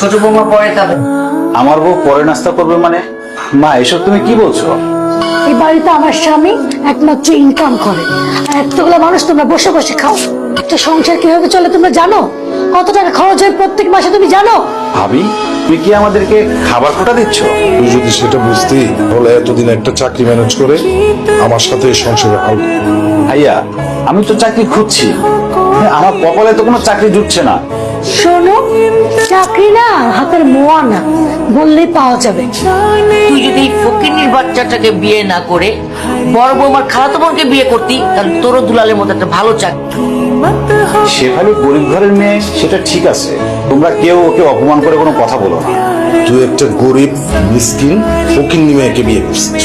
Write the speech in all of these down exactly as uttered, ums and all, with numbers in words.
ছোট বৌমা পরে খাবে। আমার বউ পরে নাস্তা করবে মানে? মা এসব তুমি কি বলছো? এই বাড়িতে আমার স্বামী একমাত্র ইনকাম করে, আর এতগুলো মানুষ তোমরা বসে বসে খাও। একটা সংসার কিভাবে চলে তোমরা জানো? কত টাকা খরচ হয় প্রত্যেক মাসে তুমি জানো? ভাবি তুমি কি আমাদেরকে খাবার কোটা দিচ্ছ? তুই যদি সেটা বুঝতি তাহলে এতদিন একটা চাকরি ম্যানেজ করে আমার সাথে এই সংসারে হাল। ভাইয়া আমি তো চাকরি খুঁজছি, আমার কপালে তো কোনো চাকরি জুটছে না। শোনো, চাকরি না হাতের মোয়া না, বললেই পাওয়া যাবে। তুই যদি ফকিনীর বাচ্চাটাকে বিয়ে না করে বড় বৌমার খালাতো বোনকে বিয়ে করতি, তাহলে তোরও দুলালের মতো একটা ভালো চাকরি। শেফালি গরিব ঘরের মেয়ে, সেটা ঠিক আছে, তোমরা কেউ ওকে অপমান করে কোনো কথা বলো না। তুই একটা গরিব মিসকিন ফকিন্নি মেয়েকে বিয়ে করছিস,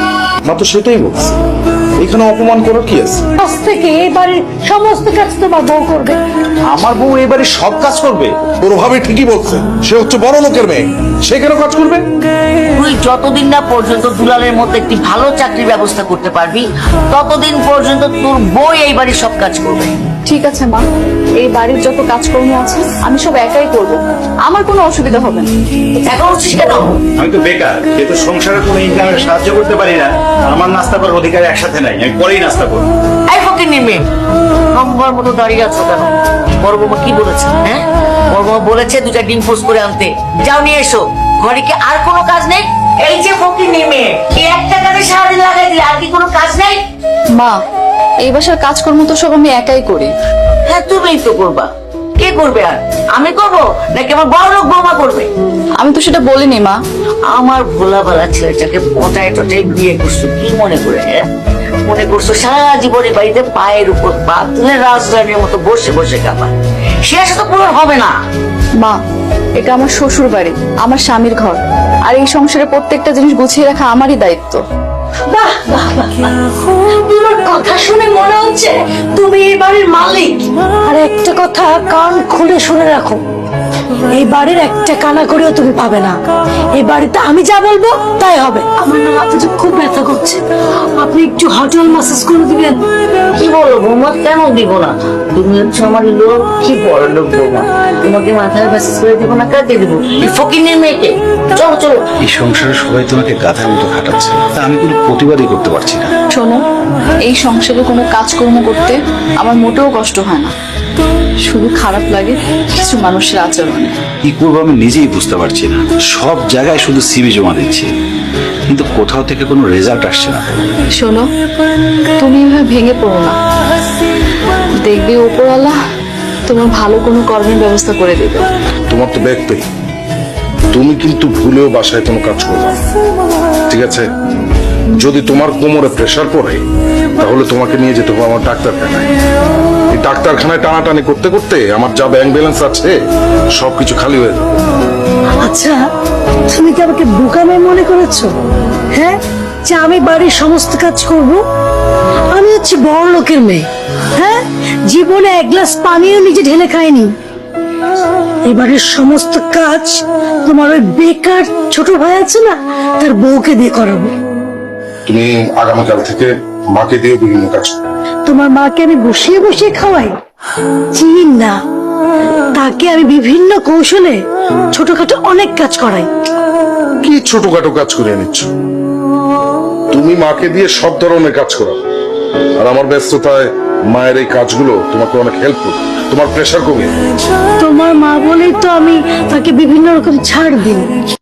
মা তো সেটাই বলছি। এখানে অপমান করার কি আছে? আজ থেকে এই বাড়ির সমস্ত কাজ তোমার বউ করবে। আমার বউ এবারে সব কাজ করবে? তোর ভাবে ঠিকই বলছে, সে হচ্ছে বড় লোকের মেয়ে, সে কেন কাজ করবে? তুই যতদিন না পর্যন্ত দুলালের মতো একটি ভালো চাকরির ব্যবস্থা করতে পারবি, ততদিন পর্যন্ত তোর বউ এই বাড়ির সব কাজ করবে। ঠিক আছে মা, এই বাড়ির যত কাজকর্ম আছে আমি সব একাই করব, আমার কোনো অসুবিধা হবে না। এখন উঠছিস কেন? আমি তো বেকার, যেহেতু সংসারে কোনো ইনকামে সাহায্য করতে পারি না, আমার নাস্তা করার অধিকার একসাথে নাই, আমি পরেই নাস্তা করবো। এই ফকিনীর মেয়ে, নম্বর মতো দাঁড়িয়ে আছো কেন? বড় বৌমা কি বলেছে? হ্যাঁ, বড় বৌমা বলেছে দুটা ডিম পোস্ট করে আনতে, যাও নিয়ে এসো। ঘরে কি আর কোনো কাজ নেই? এই যে ফকিনীর মেয়ে, এই একটা কাজে সারাদিন লাগাই দিলে আর কি কোনো কাজ নেই? মা, এই বাসার কাজকর্ম তো সব আমি একাই করি। হ্যাঁ, তুমিই তো করবা। কে করবে আর? আমি করবো নাকি আমার বড় লোক বৌমা করবে? আমি তো সেটা বলিনি মা। আমার ভোলাবেলা ছেলেটাকে পটায় টটায় বিয়ে করছো কি মনে করে? হ্যাঁ, মনে করছো সারা জীবনে বাড়িতে পায়ের উপর পা তুলে রাজধানীর মতো বসে বসে খাবা? সে আশা তো পূরণ হবে না। মা, এটা আমার শ্বশুর বাড়ি, আমার স্বামীর ঘর, আর এই সংসারে প্রত্যেকটা জিনিস গুছিয়ে রাখা আমারই দায়িত্ব। বাহ বাহ বাহ বাহ। তোমার কথা শুনে মনে হচ্ছে তুমি এই বাড়ির মালিক। আর একটা কথা কান খুলে শুনে রাখো, এই বাড়ির একটা কানা করেও তুমি পাবে না। এই বাড়িতে আমি যা বলবো তাই হবে। আমার না মাথাটা খুব ব্যথা করছে, আপনি একটু হটল ম্যাসাজ করে দিবেন? কি বলো বৌমা, কেন দিব না? তুমি হচ্ছে আমার লোক, কি বড় লোক বৌমা, তোমাকে মাথায় মেসেজ করে দিব না? কাকে দিব? এই ফকিনীর মেয়েকে। চলো চলো। এই সংসারে সবাই তোমাকে গাধার মতো খাটাচ্ছে, তা আমি কোনো প্রতিবাদই করতে পারছি না। শোনো, এই সংসারে কোনো কাজকর্ম করতে আমার মোটেও কষ্ট হয় না, শুধু খারাপ লাগে কিছু মানুষের আচরণে। কি করবো আমি নিজেই বুঝতে পারছি না। সব জায়গায় শুধু সিভি জমা দিচ্ছি, কিন্তু কোথাও থেকে কোনো রেজাল্ট আসছে না। শোনো, তুমি এভাবে ভেঙে পড়ো না, দেখবে উপরওয়ালা তোমার ভালো কোনো কর্মের ব্যবস্থা করে দেবে। তোমার তো ব্যাগ পেয়ে তুমি কিন্তু ভুলেও বাসায় কোনো কাজ করবে না, ঠিক আছে? যদি তোমার কোমরে প্রেসার পড়ে তাহলে তোমাকে নিয়ে যেতে হবে আমার ডাক্তারখানায়। এই ডাক্তারখানায় টানাটানি করতে করতে আমার যা ব্যাংক ব্যালেন্স আছে সবকিছু খালি হয়ে যাবে। আচ্ছা, তুমি কি আমাকে বোকামে মনে করেছো? হ্যাঁ, যে আমি বাড়ির সমস্ত কাজ করব? আমি হচ্ছে বড় লোকের মেয়ে। হ্যাঁ, জীবনে এক গ্লাস পানিও নিজে ঢেলে খাইনি। এবারের সমস্ত কাজ তোমার ওই বেকার ছোট ভাই আছে না, তার বউকে দিয়ে করাবো। তুমি আগামীকাল থেকে মাকে দিয়ে বিভিন্ন কাজ করো। তোমার মাকে আমি বসিয়ে বসিয়ে খাওয়াই? চিন না, তাকে আমি বিভিন্ন কৌশলে ছোটখাটো অনেক কাজ করাই। কি ছোটখাটো কাজ করে নিচ্ছ? তুমি মাকে দিয়ে সব ধরনের কাজ করো, আর আমার ব্যস্ততায় মায়ের এই কাজগুলো তোমাকে অনেক হেল্প করবে, তোমার প্রেশার কমিয়ে। তোমার মা বলেই তো আমি তাকে বিভিন্ন রকম ছাড় দিই।